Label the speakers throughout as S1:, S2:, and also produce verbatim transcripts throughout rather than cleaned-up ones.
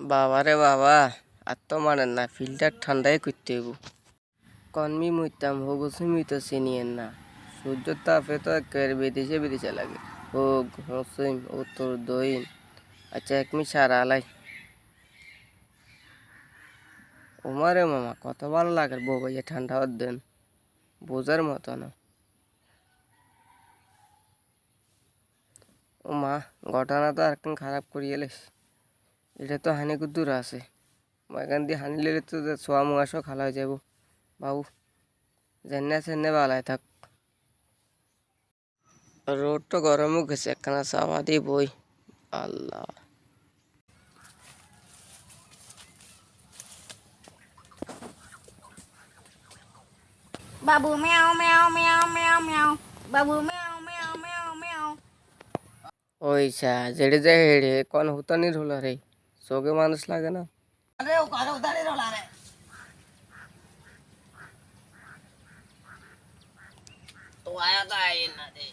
S1: বাবা রে বাবা, আর তো মানেন না, ফিল্টার ঠান্ডায় করতে হইব। কনমি মুইতাম হগুছি মুই তো চিনিয়েন না, সূর্যের তাপে তো একেবারে বিদেশে বিদেশে লাগে। হোক হসইম ও তোর দইন। আচ্ছা এক মি সারা আলাই। ওমারে মামা কত ভালো লাগে বউ ভাইয়া ঠান্ডা হওয়ার দেন, বোঝার মতো না। ও মা, ঘটনা তো একদম খারাপ করি এলিস। এটা তো হানি কুদ্দুর আছে, এখান দিয়ে হানি লেলে তো সোয়া মুয়াশো খালা হয়ে যাব। বাবু জেনে সেনে বালায় থাক। রোড তো গরমও গেছে, একখানা চাওয়া দিয়ে বই। আল্লাহ,
S2: বাবু মেও মেও মেও মেও মেও বাবু মেও মেও মেও মেও
S1: ওই চা জেড়ে যায় হেড়ে কোন হুতানির হলো রে, চোখে মানুষ লাগে না।
S2: আরে ও কারো উদারে রলা রে তো আয়া তো আই না দে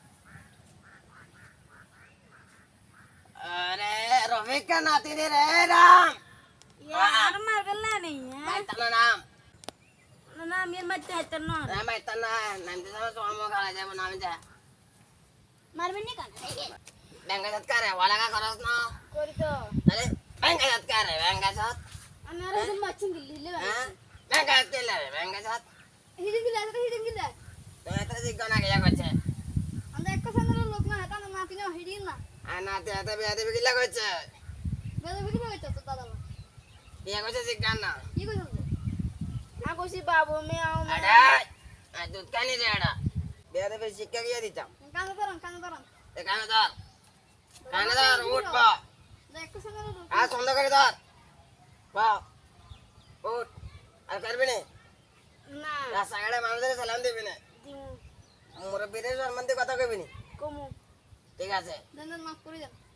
S2: अरे रफीक का नाती ने रे राम यार मार गल्ला नहीं है मैं तना नाम ना नाम ये मत है तना ना मैं तना नाम तो सब सोमो खा जाए वो नाम जा मार में नहीं करना है बैंक का सत्कार है वाला का करस ना कोरी तो अरे बैंक का सत्कार है बैंक का साथ अनारे से मचिंग गिल्ली ले हां बैंक का सत्कार है बैंक का साथ हिडिंग गिल्ला तो हिडिंग गिल्ला तो एतरा से गाना गया करছে আমরা এক কাছানের লোক না এটা না নাতি না হিডিং না আনাতে আতে বিয়াতে বিগিলা কইছে বেদে বিগিলা কইছে তো দাদা বিয়া কইছে জিগান না কি কইছে না কইছি বাবু মেও আড়া আ দুধ কানি রে আড়া বিয়াতে বে শিক্ষা গিয়া দিতাম কানে ধরন কানে ধরন এ কানে ধর কানে ধর উঠ বা দেখ কাছানের লোক আ সন্দ করে ধর বা উঠ আর করবি না না রাস্তাঘাটে মানুষদের সালাম দিবি না দিমু মুরব্বিদের সম্বন্ধে কথা কইবি না কমু ঠিক আছে দেন মাফ করে দেন।